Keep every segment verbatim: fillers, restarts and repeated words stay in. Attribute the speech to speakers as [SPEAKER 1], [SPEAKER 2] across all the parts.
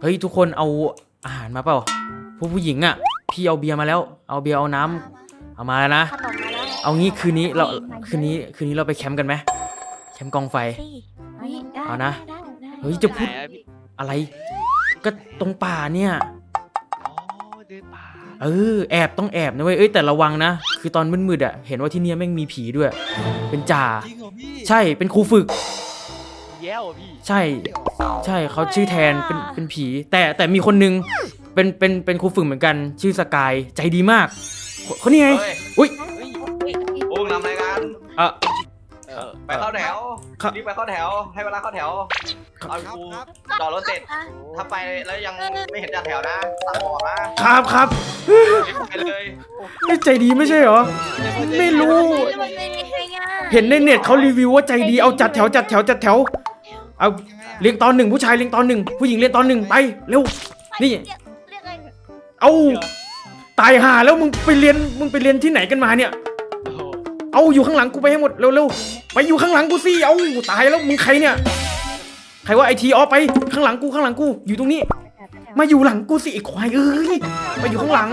[SPEAKER 1] เฮ้ยทุกคนเอาอาหารมาเปล่าผู้ผู้หญิงอ่ะพี่เอาเบียร์มาแล้วเอาเบียร์เอาน้ำเอามาแล้วนะเอางี้คืนนี้เราคืนนี้คืนนี้เราไปแคมป์กันไหมแคมป์กองไฟเอานะเฮ้ยจะพูดอะไรก็ตรงป่าเนี่ยเออแอบต้องแอบนะเว้ยเอ้ยแต่ระวังนะคือตอนมืดๆอ่ะเห็นว่าที่นี่แม่งมีผีด้วยเป็นจ่าใช่เป็นครูฝึกแย่พี่ใช่ใช่เขาชื่อแทนเป็นเป็นผีแต่แต่มีคนนึงเป็นเป็นเป็นครูฝึกเหมือนกันชื่อสกายใจดีมากคนนี้ไงอุ้ย
[SPEAKER 2] พวกนำรายการ
[SPEAKER 1] เออ
[SPEAKER 2] ไปเข้าแถวรีบไปเข้าแถวให้เวลาเข้าแถวเอากูจอดรถเสร็จถ้าไปแล้วยังไม่เห็นจัดแถวนะตามบอกนะครับ
[SPEAKER 1] ครับ
[SPEAKER 2] ไปเลย
[SPEAKER 1] ไม่ใจดีไม่ใช่เหรอไม่รู้เห็นในเน็ตเขารีวิวว่าใจดีเอาจัดแถวจัดแถวจัดแถวเอาเรียงตอนหนึ่งผู้ชายเรียงตอนหนึ่งผู้หญิงเรียงตอนหนึ่งไปเร็วนี่เอาตายห่าแล้วมึงไปเรียนมึงไปเรียนที่ไหนกันมาเนี่ยเอาอยู่ข้างหลังกูไปให้หมดเร็วๆไปอยู่ข้างหลังกูสิเอาตายแล้วมึงใครเนี่ยใครว่าไอทีออฟไปข้างหลังกูข้างหลังกูอยู่ตรงนี้มาอยู่หลังกูสิไอควายเอ้ยไปอยู่ข้างหลัง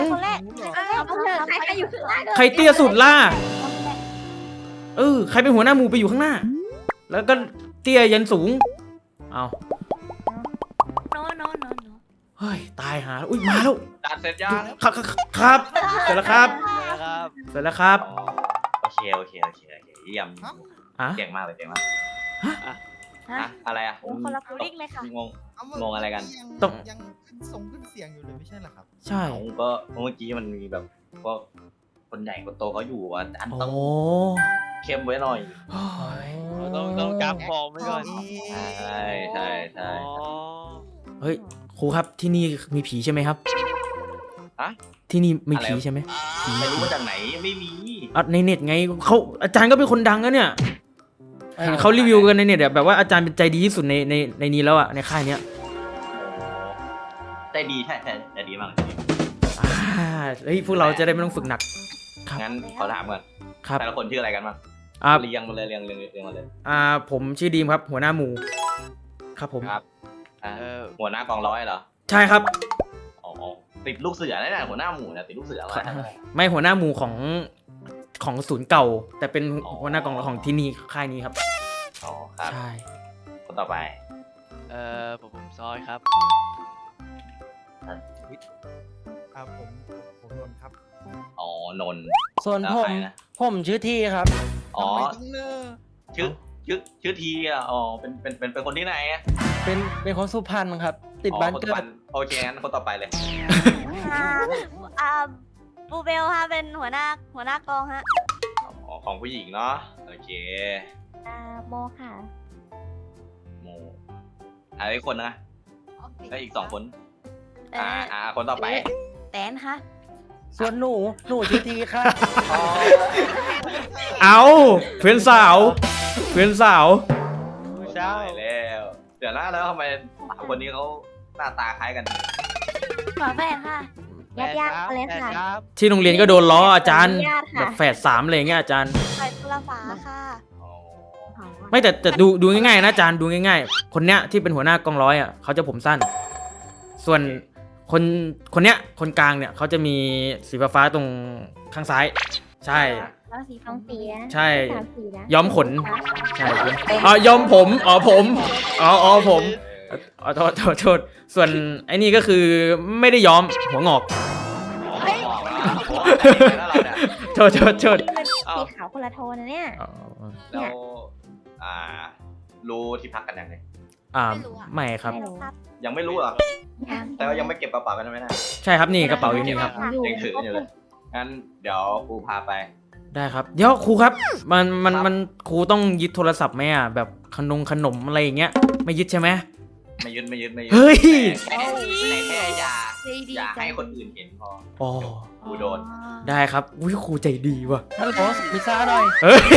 [SPEAKER 1] ใครเตี้ยสุดล่ะเออใครเป็นหัวหน้าหมู่ไปอยู่ข้างหน้าแล้วก็เตี้ยยันสูงเอาเฮ้ยตายหาอุ้ยมาแล้ว
[SPEAKER 2] จัดเสร็จยัง
[SPEAKER 1] ครับครับเสร็จแล้วครับเสร็จแล้วครับ
[SPEAKER 2] โอเคโอเคโอเคโอเคเยี่ยมเก่งมากเลยเก่งมากฮะอะไรอ่ะ
[SPEAKER 3] คนละฟูลิ่งเลยค่ะ
[SPEAKER 2] งงงงอะไรกัน
[SPEAKER 4] ต้องยังส่งขึ้นเสียงอยู่เลยไม่ใช่หรอครับ
[SPEAKER 1] ใช่
[SPEAKER 2] ก็เมื่อกี้มันมีแบบก็คนใหญ่คนโตเขาอยู่อ่ะอันต้องเข้มไว้หน่อย
[SPEAKER 5] ต้องต้องจับฟองไว้ก่อน
[SPEAKER 2] ใช่ใช่ใช่
[SPEAKER 1] เฮ้ยครูครับที่นี่มีผีใช่ไหมครับ
[SPEAKER 2] อะ
[SPEAKER 1] ที่นี่มีผีใช่ไหมผี
[SPEAKER 2] ไม่รู้มาจากไหนไม่มี
[SPEAKER 1] อ่ะในเน็ตไงเขาอาจารย์ก็เป็นคนดังนะเนี่ยเห็นเขารีวิวกันในเน็ตแบบว่าอาจารย์เป็นใจดีที่สุดในในในนี้แล้วอ่ะในค่ายเนี้ย
[SPEAKER 2] ใจดีใช่ใช่ใจดีมาก
[SPEAKER 1] อ่าเฮ้ยพวกเราจะได้ไม่ต้องฝึกหนัก
[SPEAKER 2] งั้นขอถามก่อนแต่ละคนชื่ออะไรกันบ้างเรียงมาเลยเรียงเรียงเรียงมาเลย
[SPEAKER 1] อ่าผมชื่อดีมครับหัวหน้าหมู่ครับผม
[SPEAKER 2] ครับหัวหน้ากองร้อยเหรอ
[SPEAKER 1] ใช่ครับ
[SPEAKER 2] อ๋อติดลูกเสือนั่นแหละหัวหน้าหมู่นะติดลูกเสืออะไร
[SPEAKER 1] ไม่หัวหน้าหมู่ของของศูนย์เก่าแต่เป็นหัวหน้ากองของที่นี่ค่ายนี้ครับ
[SPEAKER 2] อ๋อครับ
[SPEAKER 1] ใช่
[SPEAKER 2] คนต่อไป
[SPEAKER 5] เอ่อผมผมซอยครับ
[SPEAKER 4] ครับผมผมนนท์ครับ
[SPEAKER 2] อ๋อนนท์
[SPEAKER 6] ส่วนผมผมชื่อทีครับ
[SPEAKER 2] อ๋อชื่อชื่อชื่อทีอ่ะอ๋อเป็นเป็นเป็นเป็นคนที่ไหนอ่ะ
[SPEAKER 6] เป็นเป็นคนสุพรรณครับติดบ้านเกิด
[SPEAKER 2] โอเคงั้นคนต่อไปเลย
[SPEAKER 3] อ่าบูเบลค่ะเป็นหัวหน้าหัวหน้ากองฮะ
[SPEAKER 2] ของผู้หญิงเนาะโอเค
[SPEAKER 3] อ่าโมค่ะ
[SPEAKER 2] โมอะไรคนนะแล้วอีกสองคนอ่าอ่าคนต่อไป
[SPEAKER 3] แตนค่ะ
[SPEAKER 6] ส่วนหนูหนูชื่อทีค่ะ
[SPEAKER 1] เอาเพื่อนสาวเพื่อนสาว
[SPEAKER 2] ใช่แล้วเดี๋ยวนะแล้วทำไมสามคนนี้เขาหน้าตาคล้ายกัน
[SPEAKER 3] ฝาแฝดค่ะญาติญาติเลยค่ะ
[SPEAKER 1] ที่โรงเรียนก็โดนล้ออาจารย์แบบแฝดสามอะไรเงี้ยอาจารย์
[SPEAKER 3] ใส่ตุลาฝาค่ะ
[SPEAKER 1] ไม่แต่แต่ดูดูง่ายๆนะอาจารย์ดูง่ายๆคนเนี้ยที่เป็นหัวหน้ากองร้อยอ่ะเขาจะผมสั้นส่วนคนคนเนี้ยคนกลางเนี่ยเขาจะมีสีฟ้าตรงข้างซ้ายใช่
[SPEAKER 3] แล้วสีฟองสี
[SPEAKER 1] ใช่ย้อมขนใช่อ๋อย้อมผมอ๋อผมอ๋ออ๋อผมอ๋อโทษโทษโทษส่วนไอ้นี่ก็คือไม่ได้ย้อมหัวงอกโทษโทษโทษ
[SPEAKER 3] สีขาวคนละโทนนะเนี่ย
[SPEAKER 2] แล้วอ่ารู้ที่พักกันยังไง
[SPEAKER 1] อ่าไม่ครับ
[SPEAKER 2] ยังไม่รู้หรอแต่ว่ายังไม่เก็บกระเป๋ากันใช่ไหมนะ
[SPEAKER 1] ใช่ครับนี่กระเป๋าอยู่นี่ครับ
[SPEAKER 2] ยังถืออยู่เลยงั้นเดี๋ยวครูพาไป
[SPEAKER 1] ได้ครับเดี๋ยวครูครับมันมันมันครูต้องยึดโทรศัพท์ไหมอ่ะแบบขนมขนมอะไรอย่างเงี้ยไม่ยึดใช่ไหม
[SPEAKER 2] ไม่ยึดไม่ยึดไม่ยึด
[SPEAKER 1] เฮ้ย
[SPEAKER 2] แค่อย่าอย่าให้คนอื่นเห็นพอ
[SPEAKER 1] อ๋อ
[SPEAKER 2] ครูโดน
[SPEAKER 1] ได้ครับอุ้ยครูใจดีว่ะ
[SPEAKER 6] ฮัลโหลพิซซ่าหน่อย
[SPEAKER 1] เฮ้ย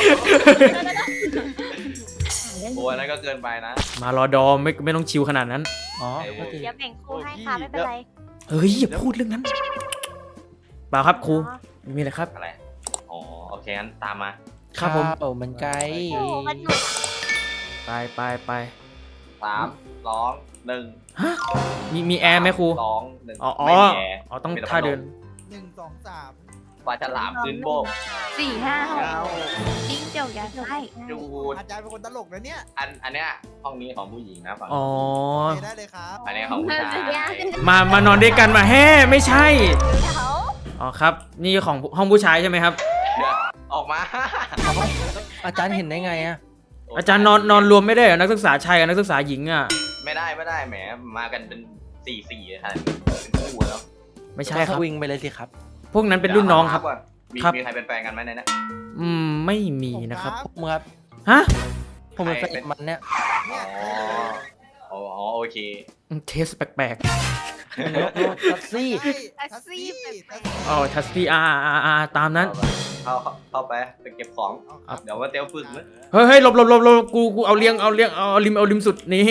[SPEAKER 2] โอ้ยนั่นก็เกินไปนะ
[SPEAKER 1] มารอดอมไม่ไม่ต้องชิวขนาดนั้น
[SPEAKER 6] อ๋อ
[SPEAKER 3] เดี๋ยวแบ่งครูให้ค่ะไม่เป็นไร
[SPEAKER 1] เฮ้ยอย่าพูดเรื่องนั้นเปล่าครับครูมีอะไรครับ
[SPEAKER 2] อะไรอ๋อโอเคงั้นตามมา
[SPEAKER 1] ครับผม
[SPEAKER 6] โอ้มันไกล
[SPEAKER 1] ไปไปไป
[SPEAKER 2] สามสองหนึ่ง
[SPEAKER 1] มีมีแอร์ไหมครู
[SPEAKER 2] สองหนึ่ง
[SPEAKER 1] อ๋ออ๋อ
[SPEAKER 2] ไม่มีแอร์
[SPEAKER 1] อ๋อต้อง
[SPEAKER 2] มีแ
[SPEAKER 1] ท่าเดิน
[SPEAKER 4] หนึ่งสองสาม
[SPEAKER 2] ปลาฉลามขึ้นโบก
[SPEAKER 3] สี่ห้าหก
[SPEAKER 5] เก้า
[SPEAKER 3] จิ้งจกยัดไส้
[SPEAKER 2] ดู
[SPEAKER 4] อาจารย์เป็นคนตลกนะเนี่ย
[SPEAKER 2] อันอันเนี้ยห้องนี้ของผู้หญิงนะฝั่ง
[SPEAKER 1] อ๋อ
[SPEAKER 4] โอเคได้เลยครับ
[SPEAKER 2] อันนี้ของผู้ชาย
[SPEAKER 1] มามานอนด้วยกันมาแฮ่ไม่ใช่
[SPEAKER 3] เดี๋ยว
[SPEAKER 1] อ๋อครับ นี่ของห้องผู้ชายใช่ไหมครับ
[SPEAKER 2] เดี๋ยวออกมา
[SPEAKER 6] อาจารย์เห็นได้ไงอะ
[SPEAKER 1] อาจารย์นอนนอนรวมไม่ได้เหรอนักศึกษาชายกับนักศึกษาหญิงอ่ะ
[SPEAKER 2] ไม่ได้ไม่ได้แหมมากันเป็นสี่สี่ครับเป็นคู่แล้ว
[SPEAKER 1] ไม่ใช่ค
[SPEAKER 6] ส
[SPEAKER 1] รับ
[SPEAKER 6] วิงไปเลยสิครับ
[SPEAKER 1] พวกนั้นเป็นรุ่นน้องครับ
[SPEAKER 2] มี
[SPEAKER 1] ครับ
[SPEAKER 2] มีใครเป็นแฟนกันไหมในนี้
[SPEAKER 1] อืมไม่มีนะครับ
[SPEAKER 6] มึงครับ
[SPEAKER 1] ฮะ
[SPEAKER 6] ผมเป็นแฟนมันเนี่ย
[SPEAKER 4] เนี่ย
[SPEAKER 2] อ๋ออ๋อโอเค
[SPEAKER 1] เทสแปลก
[SPEAKER 6] โนโนทัสซี่
[SPEAKER 4] ใช่ทัสซี่ทัสซี่
[SPEAKER 1] ๆอ๋อทัสตี้อาร์อาร์อาร์ตามนั้น
[SPEAKER 2] เข้าเข้าเข้าไปไปเก็บของ
[SPEAKER 1] ครับ
[SPEAKER 2] เดี๋ยวว่าเตียวฝึกนะ
[SPEAKER 1] เฮ้ยเฮ้ยหลบหลบหลบหลบกูกูเอาเลี้ยงเอาเลี้ยงเอาเอาริมเอาริมสุดนี่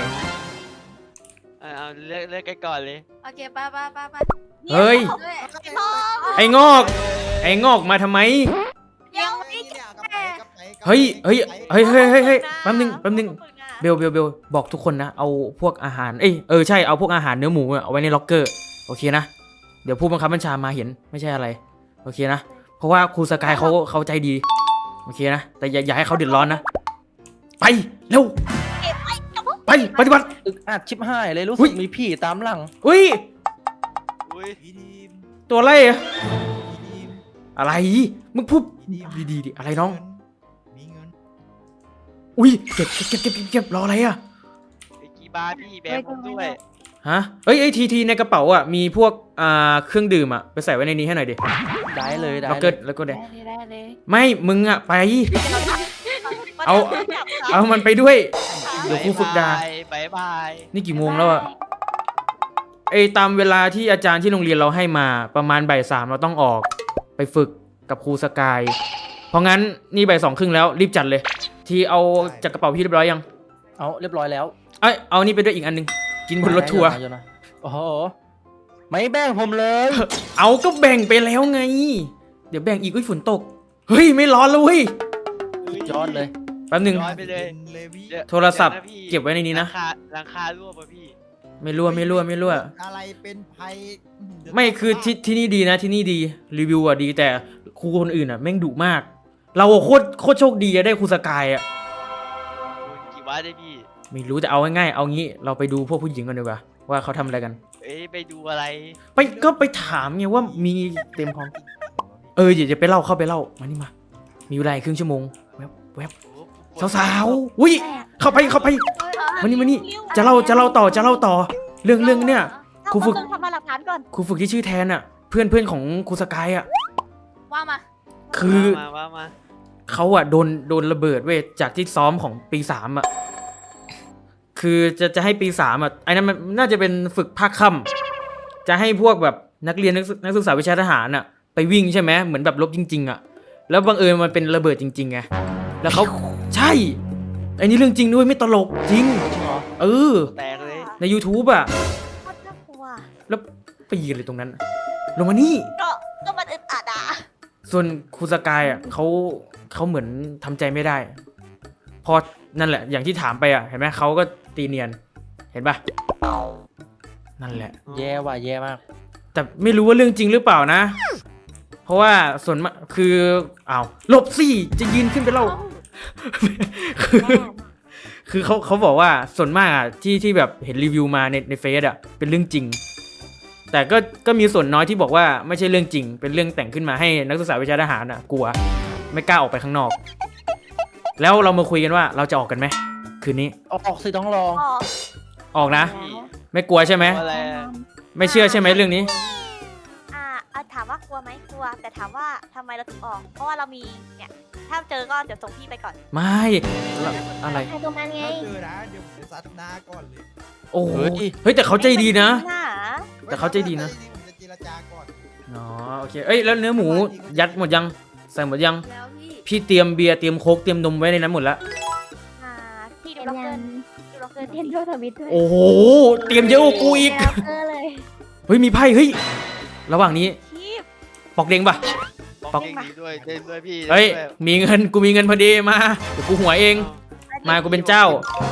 [SPEAKER 5] เอาเอาเลือกเลือกกันก่อนเลย
[SPEAKER 3] โอเคไปไปไปไป
[SPEAKER 1] เฮ้ย
[SPEAKER 3] พ่อ
[SPEAKER 1] ไอ้งอก ไอ้งอกมาทำไม
[SPEAKER 3] ยังไม่
[SPEAKER 4] เนี่ยกลับไปกลับไปกลับไป
[SPEAKER 1] เฮ้ยเฮ้ยเฮ้ยเฮ้ยเฮ้ยเฮ้ย
[SPEAKER 3] นะ
[SPEAKER 1] แป๊บนึงแป๊บนึงเบลเบลเบลบอกทุกคนนะเอาพวกอาหารเอ้ยเออใช่เอาพวกอาหารเนื้อหมูอะเอาไว้ในล็อกเกอร์โอเคนะเดี๋ยวผู้บังคับบัญชามาเห็นไม่ใช่อะไรโอเคนะเพราะว่าครูสกายเขาเขาใจดีโอเคนะแต่อย่าอย่าให้เขาเดือดร้อนนะไปเร็ว
[SPEAKER 3] เก็บไว้กับพวก
[SPEAKER 1] ไปปฏิบัติ
[SPEAKER 6] อึกอัดชิบหายเลยรู้
[SPEAKER 1] อุ๊
[SPEAKER 6] สึ
[SPEAKER 1] ย
[SPEAKER 6] กมีผีตามหลัง
[SPEAKER 1] อุ้ย
[SPEAKER 5] อุ้ย
[SPEAKER 4] พีทีม
[SPEAKER 1] ตัวอะไรอะ
[SPEAKER 4] พีทีม
[SPEAKER 1] อะไรมึงพูด
[SPEAKER 4] พีทีม
[SPEAKER 1] ดีๆดิอะไรน้อง
[SPEAKER 4] มีเงิน
[SPEAKER 1] อุ้ยเก็บเก็บเก็บเก็บเก็บรออะไรอะ
[SPEAKER 5] ไอ้กี่บาทพี่แบมผมด้วย
[SPEAKER 1] ฮะเอ้ยไอ้ทีทีในกระเป๋าอ่ะมีพวกอ่าเครื่องดื่มอ่ะไปใส่ไว้ในนี้ให้หน่อยดิ
[SPEAKER 6] ได้เลยได้
[SPEAKER 1] แล้ว
[SPEAKER 6] เล
[SPEAKER 1] ก็
[SPEAKER 6] ย
[SPEAKER 1] แล้วก็เดี๋ยว
[SPEAKER 3] ได้เลยได้เลย
[SPEAKER 1] ไม่มึงอ่ะไป เอา
[SPEAKER 3] จับเขา
[SPEAKER 1] เอามันไปด้วย เดี๋ยวครูฝึกดา
[SPEAKER 5] บายบาย
[SPEAKER 1] นี่กี่โมงแล้วอ่ะไอ้ตามเวลาที่อาจารย์ที่โรงเรียนเราให้มาประมาณบ่ายสามเราต้องออกไปฝึกกับครูสกายเพราะงั้นนี่บ่ายสองครึ่งแล้วรีบจัดเลย ทีเอาจากกระเป๋าพี่เรียบร้อยยัง
[SPEAKER 6] เอาเรียบร้อยแล้ว
[SPEAKER 1] เอ้ยเอานี่ไปด้วยอีกอันนึงกินบนรถทัวร์
[SPEAKER 6] ได้ๆๆโอ้โหไม่แบ่งผมเลย
[SPEAKER 1] เอาก็แบ่งไปแล้วไง เดี๋ยวแบ่งอีกอุ้ยฝนตกเฮ้ยไม่ร้อนแล้วเว้ย
[SPEAKER 6] ยอดเลย
[SPEAKER 1] แป๊บนึง
[SPEAKER 5] ย้อนไปเลย
[SPEAKER 4] เลวี่
[SPEAKER 5] เดี๋ยว
[SPEAKER 1] โทรศัพท์
[SPEAKER 5] ดี๋ยวะพี่
[SPEAKER 1] เก็บไว้ในนี้นะ
[SPEAKER 5] ราคาราคารั่วป่ะพี่
[SPEAKER 1] ไม่รั่วไม่รั่วไม่รั่ว
[SPEAKER 4] อะไรเป็นภัยเดี๋ยว
[SPEAKER 1] ไม่คือที่ที่นี่ดีนะที่นี่ดีรีวิวอ่ะดีแต่ครูคนอื่นอ่ะแม่งดุมาก เราอะโคตรโคตรโชคดีอะได้ครูสกายอ่ะ
[SPEAKER 5] คุณกี่บาทได้พี่
[SPEAKER 1] ไม่รู้แต่เอาง่ายๆเอางี้เราไปดูพวกผู้หญิงกันดีกว่าว่าเขาทำอะไรกัน
[SPEAKER 5] เอ้ยไปดูอะไร
[SPEAKER 1] ไปก็ไปถามไงว่ามีเต็มพร้อมเออเดี๋ยวจะไปเล่าเข้าไปเล่ามานี่มา มีเวลาอีกครึ่งชั่วโมงแวบแวบสาวๆอุ้ยเข้าไปเข้าไปมานี่มานี่จะเล่าจะเล่าต่อจะเล่าต่อ เรื่องเรื่องเนี่ย ครูฝึก
[SPEAKER 3] ทำมาหลักฐานก่อน
[SPEAKER 1] ครูฝึกที่ชื่อแทนอ่ะ เพื่อนเพื่อนของครูสกายอ่ะ
[SPEAKER 3] ว่ามา
[SPEAKER 1] คือ
[SPEAKER 5] มาว่ามา
[SPEAKER 1] เขาอะโดนโดนระเบิดเว้ยจากที่ซ้อมของปีสามอะคือจะจะให้ปีสามอะไอ้นั้นมันน่าจะเป็นฝึกภาคค่ำจะให้พวกแบบนักเรียนนักศึกนักศึกษาวิชาทหารอะไปวิ่งใช่ไหมเหมือนแบบรบจริงๆอะแล้วบังเอิญมันเป็นระเบิดจริงๆไงแล้วเขาใช่ไอ้นี่เรื่องจริงด้วยไม่ตลกจริง
[SPEAKER 6] จริงเหรอ
[SPEAKER 1] เออ
[SPEAKER 5] แตกเลย
[SPEAKER 1] ใน YouTube อะ
[SPEAKER 3] โคตรน่ากลัว
[SPEAKER 1] แล้วไปยืนเลยตรงนั้น ลงมานี่
[SPEAKER 3] ก็ก็มันอึดอัดอ่ะ
[SPEAKER 1] ส่วนครูสกายอ่ะเขาเขาเหมือนทำใจไม่ได้ พอนั่นแหละ อย่างที่ถามไปอ่ะเห็นไหมเขาก็ตีเนียนเห็นปะนั่นแหละ
[SPEAKER 6] แย่ว่ะแย่มาก
[SPEAKER 1] แต่ไม่รู้ว่าเรื่องจริงหรือเปล่านะ เพราะว่าส่วนมากคืออ้าวหลบสิจะยืนขึ้นไปเล่า คือคือเขาเขาบอกว่าส่วนมากอ่ะที่ที่แบบเห็นรีวิวมาในในเฟซอ่ะเป็นเรื่องจริง แต่ก็ก็มีส่วนน้อยที่บอกว่าไม่ใช่เรื่องจริง เป็นเรื่องแต่งขึ้นมาให้นักศึกษาวิชาทหารอ่ะกลัวไม่กล้าออกไปข้างนอก แล้วเรามาคุยกันว่าเราจะออกกันไหมคืนนี้
[SPEAKER 6] ออกสิต้องลอง
[SPEAKER 3] อ๋อ
[SPEAKER 1] ออกนะ
[SPEAKER 5] พี่
[SPEAKER 1] ไม่กลัวใช่ไหม
[SPEAKER 5] อะไรอะ
[SPEAKER 1] ไม่เชื่อใช่ไหมเรื่องนี้
[SPEAKER 3] อ่าเอาถามว่ากลัวไหมกลัว แต่ถามว่าทำไมเราถึงออก เพราะว่าเรามีเนี่ยถ้าเจอก็เดี๋ยวส่งพี่ไปก่อน
[SPEAKER 1] ไม่อะไร
[SPEAKER 3] ใครตรงนั้นไง
[SPEAKER 4] ถ้าเจอนะเดี๋ยวผมจะซัดหน้าก่อนเลย
[SPEAKER 1] โอ้โห
[SPEAKER 6] เฮ้ย
[SPEAKER 1] เฮ้ยแต่เขาใจดีนะ
[SPEAKER 3] หน้า
[SPEAKER 1] แต่เขาใจดีนะ
[SPEAKER 4] ผมจะเจรจาก่อน
[SPEAKER 1] อ๋อโอเคเอ้ยแล้วเนื้อหมูยัดหมดยังใส่หมดยัง
[SPEAKER 3] แล้วพี่
[SPEAKER 1] พี่เตรียมเบียร์เตรียมโค้กเตรียมนมไว้ในนั้นหมดแล้ว
[SPEAKER 3] อ่าพี่ดูล็อกเกอร์ดูล็อกเกอร์
[SPEAKER 7] เทนโดทวิตด้วย
[SPEAKER 1] โอ้โหเตรียมเยอะกว่ากูอีก
[SPEAKER 7] แล้วเออเลย
[SPEAKER 1] เฮ้ยมีไพ่เฮ้ยระหว่างนี้
[SPEAKER 3] ชีพ
[SPEAKER 1] ปอกเด้งปะ
[SPEAKER 5] บอกเด้งดีด้วยเด้งด้วยพี่
[SPEAKER 1] เฮ้ย
[SPEAKER 5] ด้งด้วย
[SPEAKER 1] มีเงินกูมีเงินพอดีมาเดี๋ยวกูหัวเอง มากูเป็นเจ้า เอา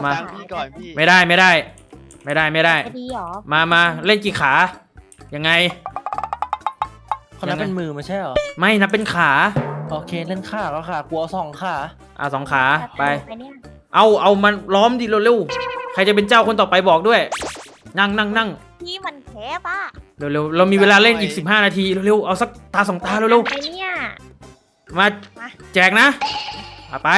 [SPEAKER 1] มา
[SPEAKER 5] ตังค์พี่ก่อนพี่
[SPEAKER 1] ไม่ได้ไม่ได้ ไม่ได้ไม่ได้
[SPEAKER 3] จะดีหรอ
[SPEAKER 1] มามาเล่นกี่ขา ยังไง
[SPEAKER 6] คนนั้นเป็นมือไม่ใช่เหรอ
[SPEAKER 1] ไม่นับเป็นขา
[SPEAKER 6] โอเคเล่นขาก็ขากูเอาสองขา
[SPEAKER 1] อ่ะสองขาไป
[SPEAKER 3] ไปเนี่ย
[SPEAKER 1] เอาเอามันล้อมดิเร็วๆใครจะเป็นเจ้าคนต่อไปบอกด้วย นั่งนั่งนั่ง
[SPEAKER 3] พี่มันแคบอ่ะ
[SPEAKER 1] เร็วๆเรามีเวลาเล่นอีกสิบห้านาทีเร็วๆเอาสักตาสองตาเร็ว
[SPEAKER 3] ไปเนี่ย
[SPEAKER 1] ๆมาแจกนะเอาไป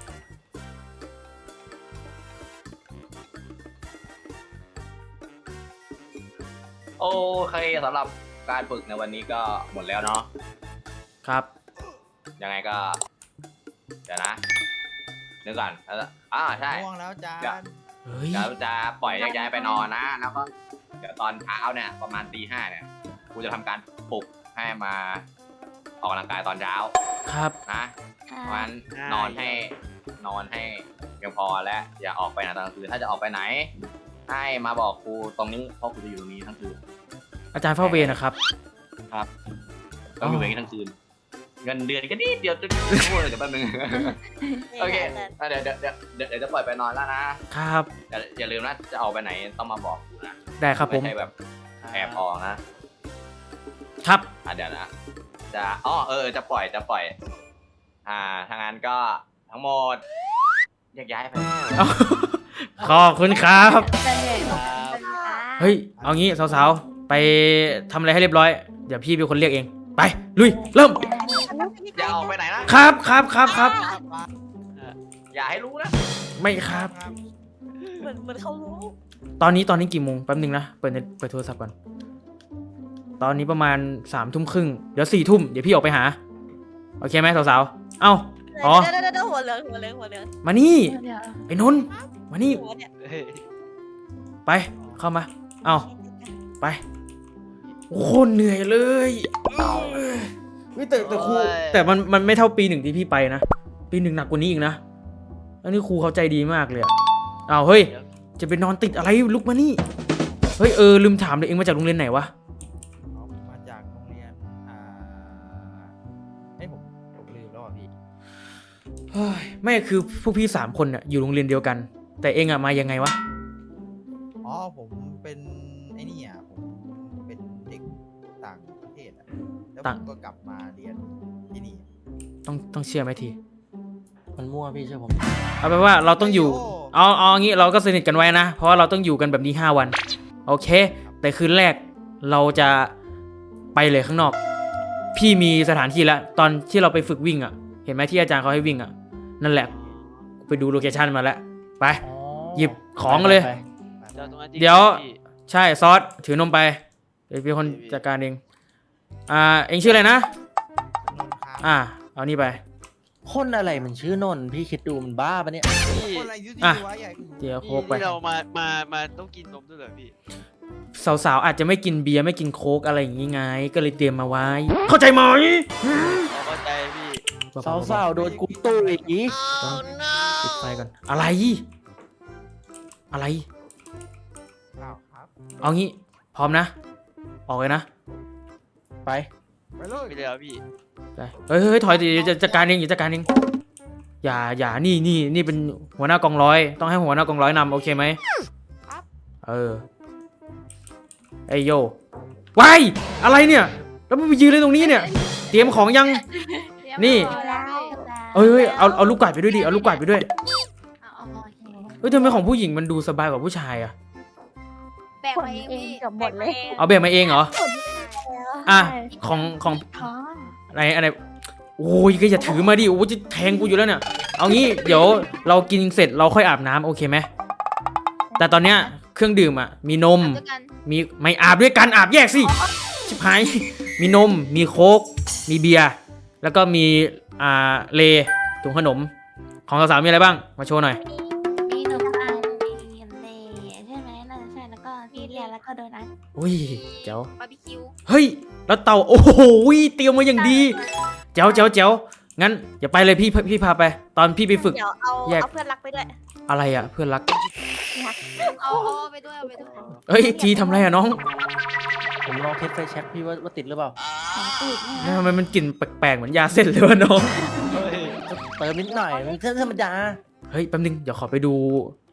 [SPEAKER 2] โอเคสำหรับการฝึกในวันนี้ก็หมดแล้วเนาะ
[SPEAKER 1] ครับ
[SPEAKER 2] ยังไงก็เดี๋ยวนะนึกก่อนแล้วอ่าใช่
[SPEAKER 4] ง่วงแล้วอาจารย์
[SPEAKER 1] เฮ้ย
[SPEAKER 2] เดี๋ยวจะปล่อยแยกย้ายไปนอนนะ แล้วก็เดี๋ยวตอนเช้าเนี่ยประมาณตีห้าเนี่ยกูจะทำการปลุกให้มาออกกำลังกายตอนเช้า
[SPEAKER 1] ครับ
[SPEAKER 2] นะเพราะฉะนั้นนอนให้นอนให้เพียงพอและอย่าออกไปไหนตอนกลางคืนถ้าจะออกไปไหน ให้มาบอกครูตรงนี้เพราะครูจะอยู่ตรงนี้ทั้งคืน
[SPEAKER 1] อาจารย์เฝ้าเวรนะครับ
[SPEAKER 2] ต้องอยู่อย่างนี้ทั้งคืน เงินเดือนก็นิดเดียวจะพูดเลยเดี๋ยวแป๊บนึง โอเคอ่ะเดี๋ยวเดี๋ยวเดี๋ยวเดี๋ยวเดี๋ยวจะปล่อยไปนอนแล้วนะครับ อย่าอย่าลืมนะจะออกไปไหนต้องมาบอกครูนะ
[SPEAKER 1] ได้ครับผม
[SPEAKER 2] ไม่ใช่แบบแอบออกนะครับ อ่ะเดี๋ยวนะจะอ๋อเออจะปล่อยจะปล่อย อ่าทางนั้นก็ทั้งหมดแยกย้ายไป
[SPEAKER 1] ขอบคุณครับ
[SPEAKER 3] จะเหนื่อยหรอ
[SPEAKER 1] เฮ้ยเอางี้สาวๆไปทำอะไรให้เรียบร้อยเดี๋ยวพี่เป็นคนเรียกเองไปลุยเริ่ม
[SPEAKER 2] อย่าออกไปไหนนะครับ
[SPEAKER 1] ครับครับครับ
[SPEAKER 2] อย่าให้รู้นะ
[SPEAKER 1] ไม่ครับ
[SPEAKER 3] เหมือนเหมือนเขารู้
[SPEAKER 1] ตอนนี้ตอนนี้กี่โมงแป๊บนึงนะเปิดเน็ตเปิดโทรศัพท์ก่อนตอนนี้ประมาณสามทุ่มครึ่งเดี๋ยวสี่ทุ่มเดี๋ยวพี่ออกไปหาโอเคไหมสาวๆเอ้า อ๋อ
[SPEAKER 3] เดี๋ยวเดี๋ยวเดี๋ยวหัวเหลืองหัวเหลืองหัวเหลือง
[SPEAKER 1] มานี่
[SPEAKER 3] เดี๋ยว
[SPEAKER 1] ไอ้นนท์มานี่
[SPEAKER 3] หัวเนี่ย
[SPEAKER 5] เฮ้ย
[SPEAKER 1] ไปเข้ามาเอ้าไปโอ้โหเหนื่อยเลยเฮ้ยแต่แต่ครูแต่มันมันไม่เท่าปีหนึ่งที่พี่ไปนะปีหนึ่งหนักกว่านี้อีกนะอันนี้ครูเขาใจดีมากเลยอะอ้าวเฮ้ยจะไปนอนติดอะไรลุกมานี่เฮ้ยเออลืมถามเลยเองมาจากโรงเรียนไหนวะ
[SPEAKER 4] เอามาจากโรงเรียน อ่าเอ้ยผมผมลืมแล้วอ่ะพี่
[SPEAKER 1] เฮ้ยไม่คือพวกพี่สามคนน่ะอยู่โรงเรียนเดียวกัน แต่เองอะมายังไงวะ
[SPEAKER 4] อ๋อผมเป็นไอ้นี่อ่ะผมเป็นเด็กต่างประเทศอ่ะแล้วผมก็กลับมาเรียนที่นี่
[SPEAKER 1] ต้องต้องเชื่อไหมที
[SPEAKER 6] มันมั่วพี่เชื่อผม
[SPEAKER 1] เอาไปนว่าเราต้องอยู่เอาเอาอย่างงี้เราก็สนิทกันไว้นะ เพราะว่าเราต้องอยู่กันแบบนี้ห้าวันโอเค แต่คืนแรกเราจะไปเลยข้างนอก พี่มีสถานที่แล้วตอนที่เราไปฝึกวิ่งอ่ะ เห็นไหมที่อาจารย์เขาให้วิ่งอ่ะนั่นแหละไปดูโลเคชั่นมาแล้วไป
[SPEAKER 6] อ๋อ
[SPEAKER 1] หยิบของเลย
[SPEAKER 6] ไป
[SPEAKER 5] เดี๋ยวตรงนั้นจริง
[SPEAKER 1] เดี๋ยว
[SPEAKER 5] พี่
[SPEAKER 1] ใช่ซอสถือนมไปเดี๋ยวเป็นคนจัดการเองอ่าเองชื่ออะไรนะ
[SPEAKER 4] นนท์ครับ
[SPEAKER 1] อ่าเอานี่ไป
[SPEAKER 6] คนอะไรมันชื่อนนท์พี่คิดดูมันบ้าปะเนี่ย
[SPEAKER 5] พี่
[SPEAKER 4] คนอะไรยุ่ง
[SPEAKER 1] อ่ะ
[SPEAKER 4] ๆวะใหญ่
[SPEAKER 1] เดี๋ยวโคกไป
[SPEAKER 5] ที่เรามามามาต้องกินนมด้วยเหรอพี่
[SPEAKER 1] สาวๆอาจจะไม่กินเบียร์ไม่กินโค้กอะไรอย่างงี้ไง ก็เลยเตรียมมาไว้ เข้าใจไหม
[SPEAKER 5] เราเข้าใจพี่
[SPEAKER 6] สาวๆโดนกูตู้อีกอี
[SPEAKER 1] ปิดไฟก่อนอะไร อะไร
[SPEAKER 4] อ้าวครับ
[SPEAKER 1] เอางี้พร้อมนะ ออกเลยนะ
[SPEAKER 6] ไป
[SPEAKER 4] ไปเลย
[SPEAKER 5] ไม่ได้แล้วพี่
[SPEAKER 1] ไปเฮ้ยเฮ้ยเฮ้ยถอยดิจะจัดการเองอย่าจัดการเองอย่าอย่านี่นี่นี่เป็นหัวหน้ากองร้อย ต้องให้หัวหน้ากองร้อยนำโอเคไหมเออไอโยวายอะไรเนี่ยแล้วมันไปยืนเลยตรงนี้เนี่ย เตรียมของยัง นี่ เอ้ยเฮ้ยเอาเอาลูกกวาดไปด้วยดิเอาลูกกวาดไปด้วยเฮ้ยทำไมของผู้หญิงมันดูสบายกว่าผู้ชายอะ
[SPEAKER 3] แบกมาเองพี่กับหมดเลย
[SPEAKER 1] เอาแบบมาเองเหรออ่ะของของ
[SPEAKER 3] ท้อง
[SPEAKER 1] อะไรอะไรโอ้ยก็อย่าถือมาดิโอ้ยจะแทงกูอยู่แล้วเนี่ยเอางี้เดี๋ยวเรากินเสร็จเราค่อยอาบน้ำโอเคไหมแต่ตอนเนี้ยเครื่องดื่มอ่ะมีนมมีไม่อาบด้วยกันอาบแยกสิชิบหายมีนมมีโค้กมีเบียร์แล้วก็มีอ่าเลถุงขนมของสาวๆมีอะไรบ้างมาโชว์หน่อย
[SPEAKER 3] มีหนูอันมีเลใช่ไหมน่าจะใช่แล้วก็พี่เรียนแล้วก็โดนัท
[SPEAKER 1] อุ้ยเจ๋ว
[SPEAKER 3] บาร์บีคิว
[SPEAKER 1] เฮ้ยแล้วเต่าโอ้โหเตรียมมาอย่างดีเจ๋วเจ๋วเจ๋วงั้นอย่าไปเลยพี่พี่พาไป ตอนพี่ไปฝึก
[SPEAKER 3] เดี๋ยวเอา
[SPEAKER 1] แยก
[SPEAKER 3] เอาเพื่อนรักไปด้วย
[SPEAKER 1] อะไรอ่ะเพื่อนรัก
[SPEAKER 3] เอาเอาไปด้วยเอาไปด้วย
[SPEAKER 1] เฮ้ยทีทำอะไรอ่ะน้อง
[SPEAKER 6] ผมลองเทสไฟแช็กพี่ว่าว่าติดหรือเปล่า
[SPEAKER 3] ของตูดเนี่ย
[SPEAKER 1] ทำไมมันกลิ่นแปลกๆเหมือนยาเส้นเลยวะน้อง
[SPEAKER 6] เติมนิดหน่อยมันเส้นธรรมดา
[SPEAKER 1] เฮ้ยแป๊บนึงเดี๋ยวขอไปดู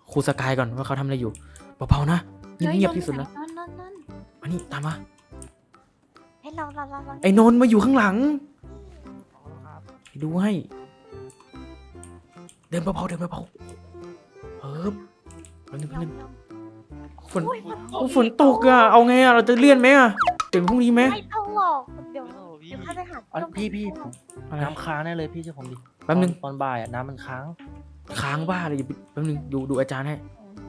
[SPEAKER 1] ครูสกายก่อนว่าเขาทำอะไรอยู่เบาๆนะเงียบๆที่สุดนะ
[SPEAKER 3] นั่นนั่นนั่น
[SPEAKER 1] มานี่ตามมา
[SPEAKER 3] ให้เราเราเราเรา
[SPEAKER 1] ไอ้นนท์มาอยู่ข้างหลังไปดูให้ เดินเบาๆเดินเบาๆเออแป๊บนึงแป๊บนึงฝนโอ้ฝนตกอะเอาไงอะเราจะเลื่อนไหมอะเดี๋ยวพรุ่งนี้ไหม
[SPEAKER 3] ไม่ต้องหรอกเดี๋ยว
[SPEAKER 5] โอ้พี่
[SPEAKER 3] เดี๋ยวข้าไปหา
[SPEAKER 6] อันพี่พี่
[SPEAKER 1] อะไร
[SPEAKER 6] น้ำค้างแน่เลยพี่เชื่อผมดิ
[SPEAKER 1] แป๊บนึง
[SPEAKER 6] ตอนตอนบ่ายอ่ะน้ำมันค้าง
[SPEAKER 1] ค้างบ้าเลยอย่าไปแป๊บนึงดูดูอาจารย์ให้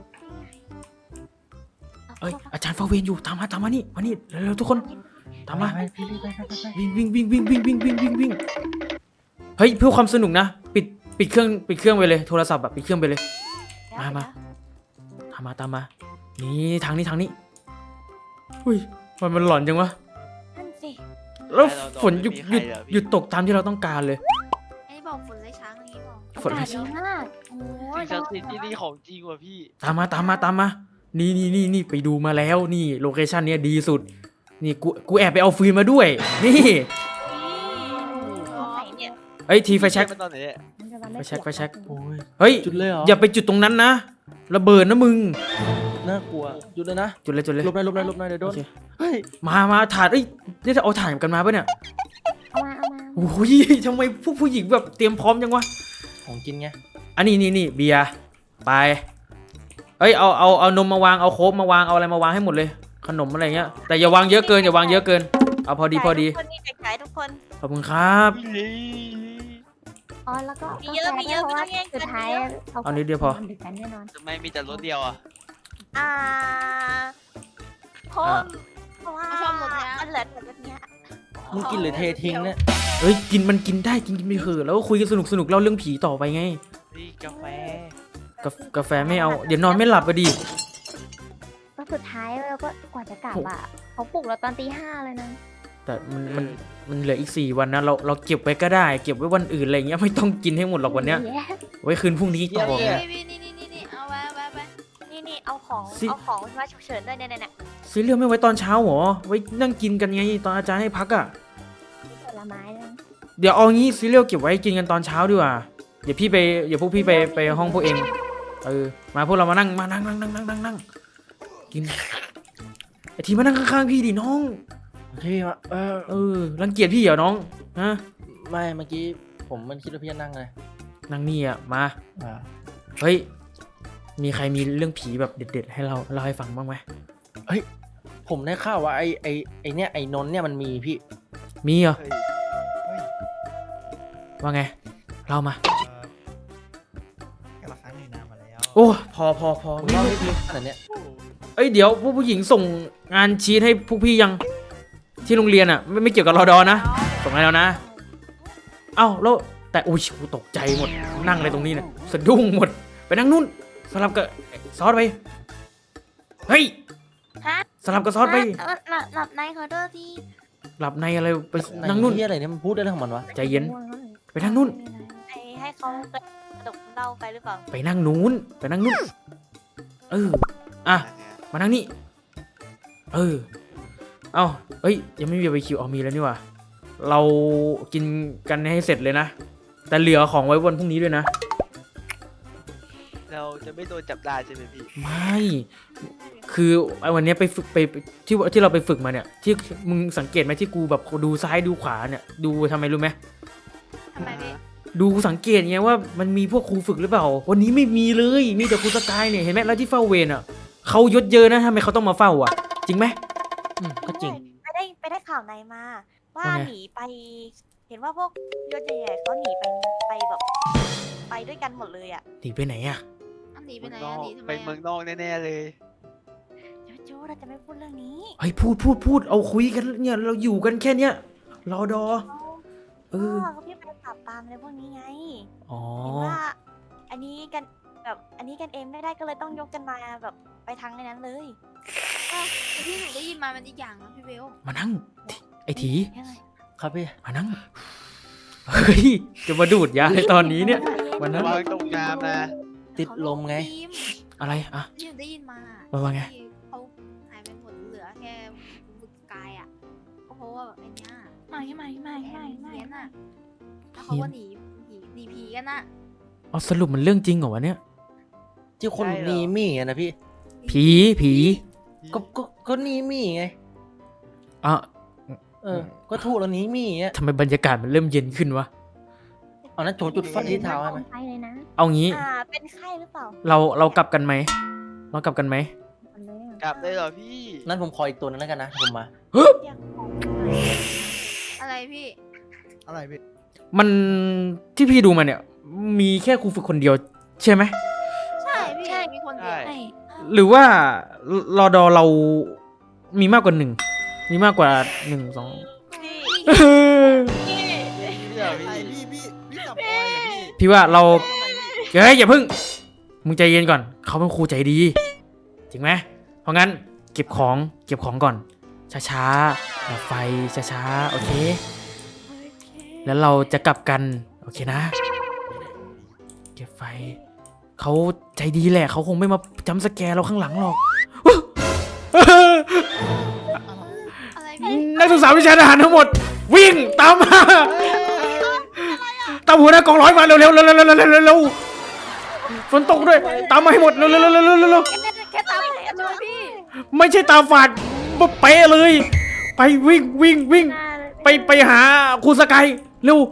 [SPEAKER 1] เอ้ยอาจารย์เฝ้าเวรอยู่ตามมาตามมานี่มานี่เร็วๆทุกคนตามมา
[SPEAKER 6] ไปพี่พี่ไปไปไปไป
[SPEAKER 1] วิ่งวิ่งวิ่งวิ่งวิ่งวิ่งวิ่งวิ่งวิ่งเฮ้ยเพื่อความสนุกนะปิดปิดเครื่องปิดเครื่องไปเลยโทรศัพท์แบบปิดเครื่องไปเลย มามา ตามมาตามมา นี่ทางนี้ทางนี้อุ้ยมันมันหลอนจังวะ
[SPEAKER 3] นั่นสิ
[SPEAKER 1] แล้วฝนหยุดหยุดหยุดตกตามที่เราต้องการเลย
[SPEAKER 3] ไอ้บอกฝนเลยช้างนี้บอก
[SPEAKER 1] ฝนเลย
[SPEAKER 3] อากาศดีมากโอ้ย
[SPEAKER 5] สิ่งศักดิ์สิทธิ์ที่นี่ของจริงว่ะพี่
[SPEAKER 1] ตามมาตามมาตามมา นี่นี่นี่นี่ไปดูมาแล้วนี่โลเคชั่นเนี้ยดีสุด นี่กูกูแอบไปเอาฟืนมาด้วย นี่
[SPEAKER 3] ไหนเนี่ย
[SPEAKER 1] เอ้ยทีไฟแช็ก
[SPEAKER 5] มันตอนไหนเนี่ย
[SPEAKER 1] ไฟแช็กไฟแช็ก
[SPEAKER 6] โอ้ย
[SPEAKER 1] เฮ้ย
[SPEAKER 6] จุดเลยเหรอ
[SPEAKER 1] อย่าไปจุดตรงนั้นนะระเบิดนะมึง
[SPEAKER 6] น่ากลัวจุดเลยนะ
[SPEAKER 1] จุดเลยจุดเลย
[SPEAKER 6] ลบหน่อยลบหน่อยลบหน่อยเดี๋ยวโด
[SPEAKER 1] โอน เค
[SPEAKER 6] เฮ้ย
[SPEAKER 1] มามาถ่านเอ้ยนี่จะเอาถ่านกันมาปะเนี่ย
[SPEAKER 3] เอามาเอามา
[SPEAKER 1] โอ้ยทำไมผู้ผู้หญิงแบบเตรียมพร้อมจังวะ
[SPEAKER 6] ของกินไง
[SPEAKER 1] อันนี้นี่นี่เบียร์ไปเอ้ยเอาเอาเอานมมาวางเอาโค้กมาวางเอาอะไรมาวางให้หมดเลย ขนมอะไรเงี้ยแต่อย่าวางเยอะเกินอย่าวางเยอะเกินเอาพอดีพอดี
[SPEAKER 3] ทุกคนนี่ไก่ทุกคน
[SPEAKER 1] ขอบคุณครับ
[SPEAKER 7] อ๋อแล้วก็
[SPEAKER 3] มีเยอะมีเยอะ
[SPEAKER 7] เพราะว่า
[SPEAKER 3] ไม่ต้องแย่งกัน
[SPEAKER 7] สุดท้าย
[SPEAKER 3] เยอะ
[SPEAKER 1] เอานิดเดียวพอ
[SPEAKER 7] ดึกกันแน่นอน
[SPEAKER 5] ทำไมมีแต่รถเดียวอ่ะ
[SPEAKER 3] อ่าเพราะ
[SPEAKER 1] อ่า
[SPEAKER 3] เพราะว่า
[SPEAKER 7] ชอบหมดเลยอะ
[SPEAKER 3] มันเหลือแต่แบบเนี้ย
[SPEAKER 6] มึงกินหรือเททิ้งเนี่ย
[SPEAKER 1] เอ้ยกินมันกินได้กินกินไปเถอะแล้วก็คุยกันสนุกสนุกเล่าเรื่องผีต่อไปไง
[SPEAKER 5] นี่กาแฟ
[SPEAKER 1] กาากาแฟไม่เอาเดี๋ยวนอนไม่หลับอะดิ
[SPEAKER 7] ก็สุดท้ายเราก็กว่าจะกลับอ่ะเขาปลุกเราตอนตีห้าเลยนะ
[SPEAKER 1] แต่มันมันมันเหลืออีกสี่วันนะเราเราเก็บไว้ก็ได้ เก็บไว้วันอื่นอะไรเงี้ยไม่ต้องกินให้หมดหรอกวันเนี้ย
[SPEAKER 7] แย่
[SPEAKER 1] ไว้คืนพรุ่งนี้ต่อไง
[SPEAKER 3] นี่นี่นี่นี่นี่เอาไว้เอาไว้เอาไว้นี่นี่เอาของ
[SPEAKER 1] สิ
[SPEAKER 3] เอาของมาฉุกเฉินด้วยเนี่ยเนี่ยเนี่ย
[SPEAKER 1] ซีเรียลไม่ไว้ตอนเช้าหรอไว้นั่งกินกันไงตอนอาจารย์ให้พักอะ
[SPEAKER 7] ผลไม้เลย
[SPEAKER 1] เดี๋ยวเอางี้ซีเรียลเก็บไว้กินกันตอนเช้าดีกว่าเดี๋ยวพี่ไปเดี๋ยวพวกพี่ไปไปห้องพวกเองเออมาพวกเรามานั่งมานั่งนั่งนั่งนั่งนั่งนั่งกินไอทีมานั่งข้างๆพี่ดิน้อง
[SPEAKER 6] พี่วะเออ
[SPEAKER 1] เออรังเกียจพี่เหรอน้องฮะ
[SPEAKER 6] ไม่เมื่อกี้ผมมันคิดว่าพี่จะนั่งเลย
[SPEAKER 1] นั่งนี่อะมา
[SPEAKER 6] อ่า
[SPEAKER 1] เฮ้ยมีใครมีเรื่องผีแบบเด็ด ๆ ให้เราเล่าให้ฟังบ้างไหม
[SPEAKER 6] ผมได้ข่าวว่าไอไอไอเนี่ยไอนนท์เนี่ยมันมีพี่
[SPEAKER 1] มีเหรอ
[SPEAKER 5] เฮ้ย
[SPEAKER 4] เฮ้ย
[SPEAKER 1] ว่าไงเล่ามา
[SPEAKER 4] เอ่อกันละครั้งหนึ่งนานมาแล้ว
[SPEAKER 1] โอ้พอพอพอ
[SPEAKER 6] ผม
[SPEAKER 1] ไม่
[SPEAKER 6] เล่า
[SPEAKER 1] รู้
[SPEAKER 6] ให้พี่ขนาดเนี้ย
[SPEAKER 1] เอ้ยเดี๋ยวพวกผู้หญิงส่งงานชีทให้พวกพี่ยังที่โรงเรียนอะไม่ไม่เกี่ยวกับรอดอนะส่งให้แล้วนะ เอ้าแล้วแต่อุ้ยกูตกใจหมดนั่งเลยตรงนี้เนี่ยสะดุ้งหมดไปนั่งนู่นสลับกับซอสไปเฮ้ย
[SPEAKER 3] ฮะ
[SPEAKER 1] สลับกับซอสไป
[SPEAKER 3] หลับหลับหลับในขอโทษที
[SPEAKER 1] หลับในอะไรไป
[SPEAKER 6] ไห
[SPEAKER 1] นั่งนู่น
[SPEAKER 6] ที่อะไรเนี่ยมันพูดได้เรื่องของมันวะ
[SPEAKER 1] ใจเย็นไปนั่งนู่น
[SPEAKER 3] ไอ้ให้เขากระดกเหล้าไปหรือเปล่า
[SPEAKER 1] ไปนั่งนู้นไปนั่งนู่นเอออ่ะมานั่งนี่เออเอ้าเอ้ยยังไม่มีไปคิวเอามีแล้วนี่หว่าเรากินกันให้เสร็จเลยนะแต่เหลือของไว้วันพรุ่งนี้ด้วยนะ
[SPEAKER 5] เราจะไม่โดนจับได้ใช่ไหมพี่
[SPEAKER 1] ไม่ คือไอ้วันเนี้ยไปฝึกไปไปที่ที่เราไปฝึกมาเนี่ย ที่มึงสังเกตไหมที่กูแบบดูซ้ายดูขวาเนี่ย ดูทำไมรู้ไหม
[SPEAKER 3] ทำไมพี่
[SPEAKER 1] ดูสังเกตไงว่ามันมีพวกครูฝึกหรือเปล่า วันนี้ไม่มีเลยมีแต่ครูสกายเนี่ยเห็นไหมแล้วที่เฝ้าเวรอ่ะเขายศเยอะนะทำไมเขาต้องมาเฝ้าอ่ะ จริงไหม
[SPEAKER 6] อืมก็จริง
[SPEAKER 3] ไปได้ไปได้ข่าวในมา ว่า
[SPEAKER 1] ว่าไง
[SPEAKER 3] หนีไป เห็นว่าพวกยศใหญ่ๆเขาหนีไปไปแบบ ไปด้วยกันหมดเลยอ่ะ
[SPEAKER 1] หนีไปไหนอ่ะ
[SPEAKER 3] หนีไป
[SPEAKER 5] เมือง
[SPEAKER 3] ไหน
[SPEAKER 5] นอ
[SPEAKER 3] อ่ะ
[SPEAKER 5] ก
[SPEAKER 3] หนีทำไม
[SPEAKER 5] ไปเมืองนอกแน่ๆเลย
[SPEAKER 3] โจโจ้เราจะไม่พูดเรื่องนี้
[SPEAKER 1] เฮ้ยพูดพูดพูดเอาคุยกันเนี่ยเราอยู่กันแค่เนี้ยรอดอ เออ
[SPEAKER 3] ก็พี่ไปปราบปรามอะไรพวกนี้ไง
[SPEAKER 1] อ๋อ
[SPEAKER 3] เห็นว่า อันนี้กันแบบอันนี้กันเองไม่ได้ก็เลยต้องยกกันมาแบบไปทางในนั้นเลย
[SPEAKER 8] ที่หนูได้ยินมามันอีกอย่างนะพี่เบล
[SPEAKER 1] มานั่งไอ้ถี
[SPEAKER 3] ยังไง
[SPEAKER 6] ครับพี่
[SPEAKER 1] มานั่งเฮ้ยจะมาดูดยาในตอนนี้เนี่ย วันนั้น
[SPEAKER 5] ระวังตกน้ำนะ
[SPEAKER 6] ติดลมไง
[SPEAKER 8] ทีม
[SPEAKER 1] อะไรอ่ะ
[SPEAKER 8] ที่หนูได้ยินมา
[SPEAKER 1] ว่าว่าไง
[SPEAKER 8] ที่เขาหายไปหมดเหลือแค่บุกกายอ่ะก็เพราะว่าแบบไอ้เนี้ย
[SPEAKER 7] ไม่ไม่ไม่
[SPEAKER 8] แผ
[SPEAKER 7] ไม่
[SPEAKER 8] น
[SPEAKER 7] ไม่
[SPEAKER 8] เพี้ยนอ่ะแล้วเขาก็หนีหนีหนีผีกันอ่ะ
[SPEAKER 1] เอาสรุปมันเรื่องจริงเหรอวะเนี่ย
[SPEAKER 6] ที่คน
[SPEAKER 5] ใช่เหรอ
[SPEAKER 6] นีมี่อะนะพี่
[SPEAKER 1] ผีผี
[SPEAKER 6] ก็ก็ก็นีมี่ไง
[SPEAKER 1] อ่ะ
[SPEAKER 6] เออ ก็ถูกแล้วนีมี่อ่ะ
[SPEAKER 1] ทำไมบรรยากาศมันเริ่มเย็นขึ้นวะ
[SPEAKER 6] เอานั้นโจจุดไฟที่เท้าให้ไหม
[SPEAKER 7] ไปเลยนะ
[SPEAKER 1] เอางี้
[SPEAKER 3] อ่าเป็นไข้หรือเปล่า
[SPEAKER 1] เราเรากลับกันไหมเรากลับกันไหม
[SPEAKER 7] มันเลยอะ
[SPEAKER 5] กลับเลยเหรอพี่
[SPEAKER 6] นั้นผมขออีกตัวนึงแล้วกันนะผมมา
[SPEAKER 8] อะไรพี่
[SPEAKER 4] อะไรพี่
[SPEAKER 1] มันที่พี่ดูมาเนี่ย มีแค่ครูฝึกคนเดียวใช่ไหม
[SPEAKER 8] ใช่พี่มีคนเดียว
[SPEAKER 5] ใช่
[SPEAKER 1] หรือว่ารอดอเรามีมากกว่าหนึ่งมีมากกว่าหนึ่งสอง
[SPEAKER 3] พี่
[SPEAKER 1] เออ
[SPEAKER 3] พี่
[SPEAKER 5] เดี๋ยว
[SPEAKER 4] ไอ
[SPEAKER 5] พี่
[SPEAKER 4] พี่พี่พี่จับปอยเหรอพี่
[SPEAKER 1] พี่ว่าเราเฮ้ยอย่าเพิ่งมึงใจเย็นก่อน เขาเป็นครูใจดีจริงไหมเพราะงั้นเก็บของเก็บของก่อนช้าๆดับไฟช้าๆโอเค แล้วเราจะกลับกันโอเคนะ เก็บไฟเขาใจดีแหละเขาคงไม่มาจำสแกร์เราข้างหลังหรอก
[SPEAKER 8] อะไรพี่
[SPEAKER 1] นักศึกษาวิชาทหารทั้งหมด วิ่งตามมาตามหัวหน้ากองร้อยมาเร็วๆเร็วๆเร็วๆเร็วๆเร็วๆเร็วๆฝนตกด้วยตามมาให้หมดเร็วๆเร็วๆเร็วๆเร็ว
[SPEAKER 3] แค่ตามเห็นเลยพี่
[SPEAKER 1] ๆไม่ใช่ตาฝาดมาเป๊ะเลย ไปวิ่งวิ่งวิ่ง
[SPEAKER 7] หน้าเลย
[SPEAKER 1] ไปไปหาครูสกายเร็ว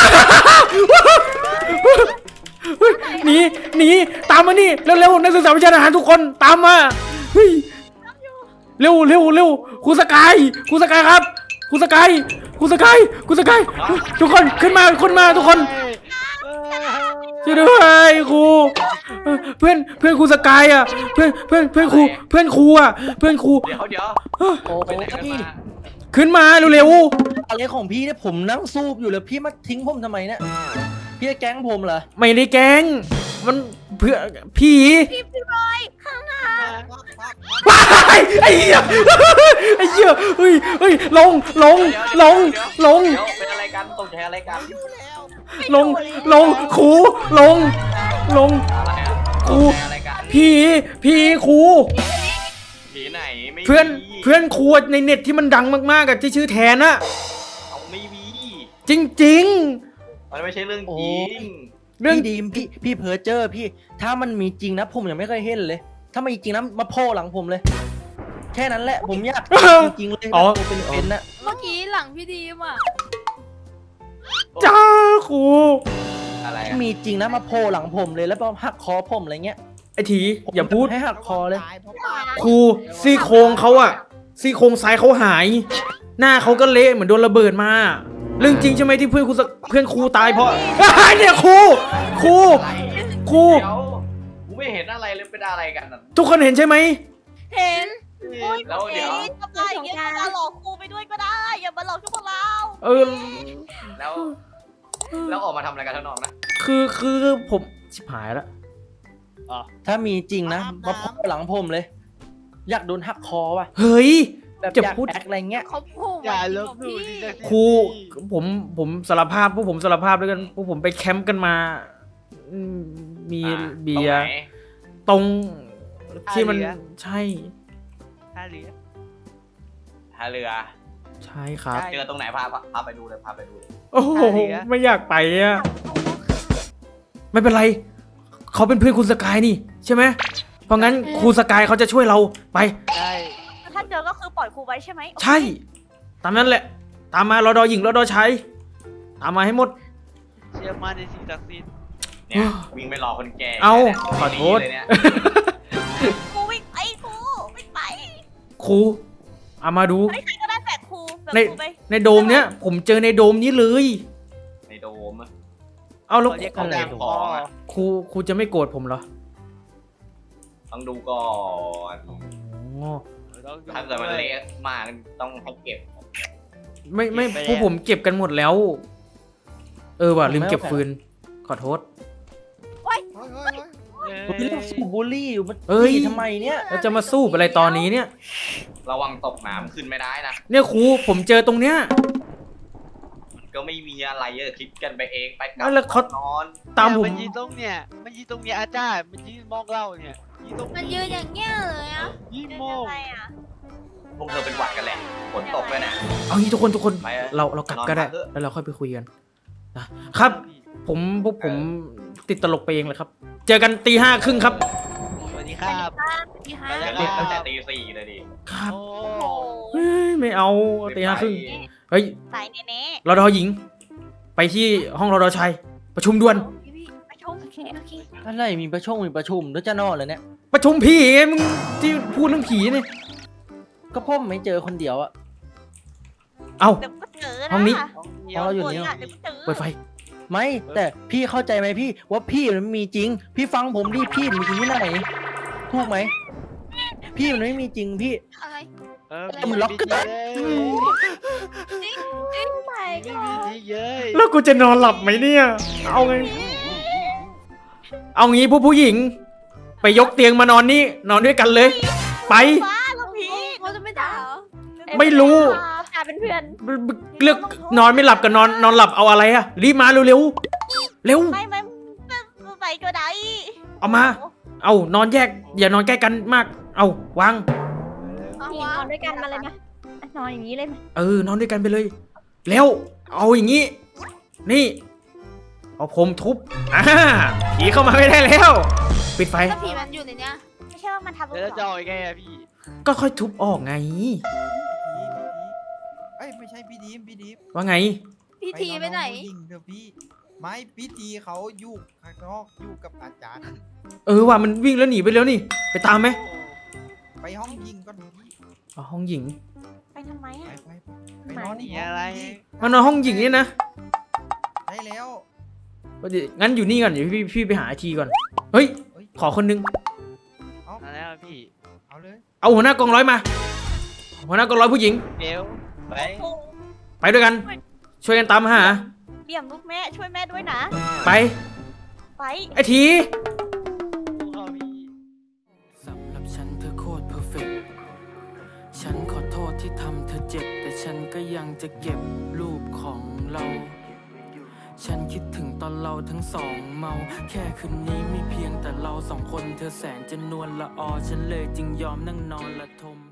[SPEAKER 1] หนีหนีตามมานี่เร็วๆนักศึกษาวิชาทหารทุกคนตามมาเฮ้ยเร็วเร็วเร็วครูสกายครูสกายครับครูสกายครูสกายครูสกายทุกคนขึ้นมาขึ้นมาทุกคนช่วยด้วยครูเพื่อนเพื่อนครูสกายอ่ะเพื่อนเพื่อนเพื่อนครูเพื่อนครูอ่ะเพื่อนครู
[SPEAKER 2] เดี๋ยวเดี๋ยว
[SPEAKER 6] โอ้
[SPEAKER 2] ไปไหนกัน
[SPEAKER 6] พี่
[SPEAKER 2] มา
[SPEAKER 1] ขึ้นมาเร็ว
[SPEAKER 6] อะไรของพี่เนี่ยผมนั่งสูบอยู่เลยพี่มาทิ้งผมทำไมเนี่ยพี่จะแก๊งผมเหรอ
[SPEAKER 1] ๆไม่ได้แกล้งมันเพื่อผี
[SPEAKER 3] พี่พี่บอยข้างหน้า
[SPEAKER 1] ว้ายไอ้เหี้ยไอ้เหี้ยเฮ้ยเฮ้ยลงลงลงลง
[SPEAKER 2] เดี๋ยวเป็นอะไรกันตกใจอะไรกัน
[SPEAKER 1] ลงลงครูลงลง
[SPEAKER 2] อะไรอะ
[SPEAKER 1] ครู
[SPEAKER 2] ตกใจอะไรกัน
[SPEAKER 1] ผีผีครู
[SPEAKER 2] ผีไหนไม่มี
[SPEAKER 1] เพื่อนเพื่อนครูในเน็ตที่มันดังมากๆอะที่ชื่อแทนอะ
[SPEAKER 2] เอาไม่มี
[SPEAKER 1] จริง
[SPEAKER 2] มันไม่ใช่เรื่องจริง
[SPEAKER 1] ๆ เรื่อง
[SPEAKER 6] พี่ดีมพี่พี่เพอเจอร์พี่ ถ้ามันมีจริงนะผมยังไม่เคยเห็นเลย ถ้ามันมีจริงนะมาโผล่หลังผมเลย แค่นั้นแหละผมอยากจริงๆเลย
[SPEAKER 1] อ๋อ
[SPEAKER 6] ตัวเป็นๆนะ
[SPEAKER 8] เมื่อกี้หลังพี่ดีมอ่ะ
[SPEAKER 1] จ้าครู
[SPEAKER 2] อะไร
[SPEAKER 6] ถ้า
[SPEAKER 2] อะ
[SPEAKER 6] มีจริงนะมาโผล่หลังผมเลยแล้วมาหักคอผมอะไรเงี้ย
[SPEAKER 1] ไอ้ทีอย่าพูด
[SPEAKER 6] ให้หักคอเลย
[SPEAKER 4] ตายเพราะป้า
[SPEAKER 1] ครูซี่โครงเขาอะซี่โครงซ้ายเขาหาย หน้าเขาก็เละเหมือนโดนระเบิดมาเรื่องจริงใช่ไหมที่เพื่อนครูสเพื่อนครูตายเพราะ เนี่ยครูครูครู
[SPEAKER 2] เดี๋ยวกูไม่เห็นอะไรเลยเป็นอะไรกันน่ะ
[SPEAKER 1] ทุกคนเห็นใช่ไหม
[SPEAKER 3] เห็น
[SPEAKER 2] แล้วเดี๋ยว
[SPEAKER 3] ทำไมอย่างเงี้ยมาหลอกครูไปด้วยก็ได้ อย่ามาหลอกพวกเรา
[SPEAKER 1] เออ
[SPEAKER 2] แล้ว แล้วออกมาทำอะไรกันข้างนอกนะ
[SPEAKER 1] คือคือผมชิบหายแล้ว
[SPEAKER 6] ถ้ามีจริงนะมาโผล่หลังผมเลย อยากโดนหักคอว่ะ
[SPEAKER 1] เฮ้ย
[SPEAKER 6] แบบ
[SPEAKER 1] จะ
[SPEAKER 6] อยาก
[SPEAKER 1] พูด
[SPEAKER 6] แอคอะไรเงี้ย
[SPEAKER 8] เขาพูด
[SPEAKER 5] อย่าล
[SPEAKER 8] จริง
[SPEAKER 5] บ
[SPEAKER 8] เห
[SPEAKER 5] ห
[SPEAKER 8] รอ
[SPEAKER 5] ลู่
[SPEAKER 8] พี่
[SPEAKER 5] ดิ
[SPEAKER 1] ครูผมผมสารภาพพวกผมสารภาพด้วยกันพวกผมไปแคมป์กันมาอืมมี
[SPEAKER 2] อ่ะ
[SPEAKER 1] เบียร์
[SPEAKER 2] ตรงไหน
[SPEAKER 1] ตรงที่มันใช่
[SPEAKER 5] ท่าเรือ
[SPEAKER 2] ท่าเรือ
[SPEAKER 1] ใช่ครับ
[SPEAKER 5] ใช่
[SPEAKER 2] เจอตรงไหนพาพาพาไปดูเลยพาไปดูเลย
[SPEAKER 1] โอ้โห
[SPEAKER 5] ท่าเรือ
[SPEAKER 1] ไม่อยากไปอ่ะไม่เป็นไร เขาเป็นเพื่อนคุณสกายนี่ ใช่ไหมเพราะงั้นครูสกายเขาจะช่วยเราไป
[SPEAKER 5] ใช่
[SPEAKER 3] ถ้าเจอก็คือปล่อยครูไว้ใช่ไหม
[SPEAKER 1] ใช่ ตามนั้นแหละ ตามมารอดอหญิงรอดอชายตามมาให้หมด
[SPEAKER 5] เชื่อมั่นในสิ่งศักดิ์สิทธิ์
[SPEAKER 2] เนี่ยวิ่งไปรอคนแก่
[SPEAKER 1] เอา
[SPEAKER 2] นี่ย
[SPEAKER 1] ขอโทษ
[SPEAKER 2] เลยเนี่ย
[SPEAKER 3] ครูวิ่งไปครูวิ่งไป
[SPEAKER 1] ครูเอามาดู
[SPEAKER 3] เฮ้ยใครก็ได้แบกครูแบก
[SPEAKER 1] ใน
[SPEAKER 3] ครูไป
[SPEAKER 1] ในโดมเนี้ยผมเจอในโดมนี้เลย
[SPEAKER 2] ในโดมอะ
[SPEAKER 1] เอาแล้ว
[SPEAKER 5] เขาเรียก
[SPEAKER 2] เขา
[SPEAKER 5] เขา
[SPEAKER 2] เรี
[SPEAKER 5] แร
[SPEAKER 2] ยก
[SPEAKER 5] ง
[SPEAKER 2] ข
[SPEAKER 5] ค
[SPEAKER 2] อ
[SPEAKER 5] อง
[SPEAKER 2] อะ
[SPEAKER 1] ครูครูจะไม่โกรธผมเหรอ
[SPEAKER 2] ต้องดูก่อน
[SPEAKER 1] อ๋อ
[SPEAKER 2] ถ้าเกิดมันเละมากต้องให้เก็บ
[SPEAKER 1] ไม่ไม่พวกผมเก็บกันหมดแล้ว เออว่ะลืมเก็บฟืน ขอโทษ
[SPEAKER 4] เฮ้ยเฮ้ยเฮ้ย
[SPEAKER 6] ผมเรื่องสูบบุหรี่อยู่มัน
[SPEAKER 1] เอ้ย
[SPEAKER 6] พี่ทำไมเนี่ย
[SPEAKER 1] แล้วจะมาสู้อะไรตอนนี้เนี่ย
[SPEAKER 2] ระวังตกน้ำขึ้นไม่ได้นะ
[SPEAKER 1] เนี่ยครูผมเจอตรงเนี้ย
[SPEAKER 2] มันก็ไม่มีอะไรเออคิดกันไปเองไปกลั
[SPEAKER 1] เอาแล้วเขา
[SPEAKER 2] นอน
[SPEAKER 1] ตามผม
[SPEAKER 5] มันยืนตรงเนี่ย มันยืนตรงเนี้ยอาจารย์ มันยืนมองเราเนี่ยยืนตรง
[SPEAKER 8] มันยืนอย่างเงี้ยเลยอ่ะ
[SPEAKER 5] ยืน
[SPEAKER 3] เป็น
[SPEAKER 5] มอ
[SPEAKER 3] ยัง
[SPEAKER 5] ง
[SPEAKER 3] ไงอ่ะ
[SPEAKER 2] พวกเธอเป็นหวัดกันแหละฝนตกเลยนะ
[SPEAKER 1] เอางี้ทุกคนทุกคน
[SPEAKER 2] ไปอะ
[SPEAKER 1] เราเรากลับก็ได้
[SPEAKER 2] นอนพักเถอะ
[SPEAKER 1] แล้วเราค่อยไปคุยกันนะครับ ผมพวกผมติดตลกไปเองเลยครับ เจอกันตีห้าครึ่งครับ
[SPEAKER 5] ครับ
[SPEAKER 3] พี่ฮะ
[SPEAKER 5] ไป
[SPEAKER 2] เดี๋
[SPEAKER 5] แล้
[SPEAKER 2] ยว ว
[SPEAKER 5] ค
[SPEAKER 2] เรียก
[SPEAKER 5] รั
[SPEAKER 2] ตั้งแต่
[SPEAKER 5] บ
[SPEAKER 2] ตีสี่เลยดิ
[SPEAKER 1] ครับ
[SPEAKER 5] โอ้
[SPEAKER 3] โอ้โห
[SPEAKER 1] เฮ้ยไม่เอาตีห้าครึ่งเฮ้ย
[SPEAKER 3] สายเน่
[SPEAKER 1] รอดอหญิง ไปที่ห้องรอดอชายประชุมด่วน
[SPEAKER 3] ๆพี่พี่ไปชมโอเคโอเค
[SPEAKER 6] อะไรมีประชุมมีประชุมแล้วจะนอนเลยเนี่ย
[SPEAKER 1] ประชุมผีไงมึงที่พูดเรื่องผีเนี่ย
[SPEAKER 6] ก็พ่อไม่เจอคนเดียวอะ
[SPEAKER 1] เอ้า
[SPEAKER 3] เดี๋ยวก็เจอนะ
[SPEAKER 1] ห้องนี้
[SPEAKER 6] อ๋ออยู่นี่
[SPEAKER 3] เดี๋ยวก็เจอ
[SPEAKER 1] เปิดไฟ
[SPEAKER 6] ไม่แต่พี่เข้าใจไหมพี่ว่าพี่มันมีจริง พี่ฟังผมดิพี่มันมีจริงที่ไหนถูกไหมพี่มันไม่มีจริงพี่
[SPEAKER 8] อะไร
[SPEAKER 5] เออ
[SPEAKER 6] แต่มันล็อกก็ได้
[SPEAKER 8] จริงจริงไป
[SPEAKER 5] ไม่
[SPEAKER 8] ก่อ
[SPEAKER 5] มี
[SPEAKER 8] น
[SPEAKER 5] ที่เย้ย
[SPEAKER 1] แล้วกูจะนอนหลับไหมเนี่ย เอาไง เอางี้ผู้ผู้หญิง ไปยกเตียงมานอนนี่ นอนด้วยกันเลย ไป
[SPEAKER 3] ว้าแล้วพี่
[SPEAKER 8] เขาจะไม่ด่าเหรอ
[SPEAKER 1] ไม่รู้
[SPEAKER 7] กลายเป็นเพื่อน
[SPEAKER 1] เลือกนอนไม่หลับกับนอนนอนหลับเอาอะไรอะรีบมาเร็วเร็วๆเร็ว
[SPEAKER 3] ไม่ไม่ไม่ไปก็ได้
[SPEAKER 1] เอามา เอานอนแยก อย่านอนใกล้กันมาก เอาวาง
[SPEAKER 8] เอา
[SPEAKER 7] พี่
[SPEAKER 8] วะ
[SPEAKER 7] นอนด้วยกันมาเลยนะนอนอย่างนี้เลยไหม
[SPEAKER 1] เออนอนด้วยกันไปเลย แล้ว เอาอย่างนี้ นี่ เอาผมทุบอ่าผีเข้ามาไม่ได้แล้ว ปิดไฟ
[SPEAKER 8] ถ้าผีมันอยู่ในเนี้ย
[SPEAKER 3] ไม่ใช่ว่ามันทำ
[SPEAKER 5] แล้วจะเอายังไงอะพี่
[SPEAKER 1] ก็ค่อยทุบออกไง
[SPEAKER 4] เอ้ยไม่ใช่พี่ดีมพี่ดีม
[SPEAKER 1] ว่าไง
[SPEAKER 8] พี่ทีไปไหน
[SPEAKER 4] นอนห้องยิงเถอะพี่ไม่พี่ทีเขาอยู่ข้างนอกอยู่กับอาจารย์
[SPEAKER 1] เออว่ามันวิ่งแล้วหนีไปแล้วนี่ ไปตามไหม
[SPEAKER 4] ไปห้องยิงก่อนพี่
[SPEAKER 1] อ๋อห้องหญิง
[SPEAKER 3] ไปทำไม
[SPEAKER 4] ไป
[SPEAKER 3] อ่ะ
[SPEAKER 4] ไปไปนอนอีก
[SPEAKER 5] มี
[SPEAKER 4] ห้อง
[SPEAKER 5] อะไร
[SPEAKER 4] พี่
[SPEAKER 1] มานอนห้องหญิงนี่นะ
[SPEAKER 4] ได้แล้ว
[SPEAKER 1] เดี๋ยวงั้นอยู่นี่ก่อนเดี๋ยวพี่พี่ไปหาไอทีก่อน เฮ้ย
[SPEAKER 4] เฮ้ย
[SPEAKER 1] ขอคนนึง
[SPEAKER 5] มาแล้วพี่
[SPEAKER 4] เอาเลย
[SPEAKER 1] เอาหัวหน้ากองร้อยมา หัวหน้ากองร้อยผู้หญิง
[SPEAKER 5] เบลไป
[SPEAKER 3] โอ้
[SPEAKER 1] ไปด้วยกัน ช่วยกันตามหา
[SPEAKER 3] เดี่ยมลูกแม่ช่วยแม่ด้วยนะ
[SPEAKER 1] ไป
[SPEAKER 3] ไป
[SPEAKER 1] ไอที
[SPEAKER 5] เข้าพี่
[SPEAKER 9] สำหรับฉันเธอโคตรเพอร์เฟกต์ฉันขอโทษที่ทำเธอเจ็บ แต่ฉันก็ยังจะเก็บรูปของเรา ฉันคิดถึงตอนเราทั้งสองเมา แค่คืนนี้มีเพียงแต่เราสองคน เธอแสนจะนวลละออ ฉันเลยจึงยอมนั่งนอนละทม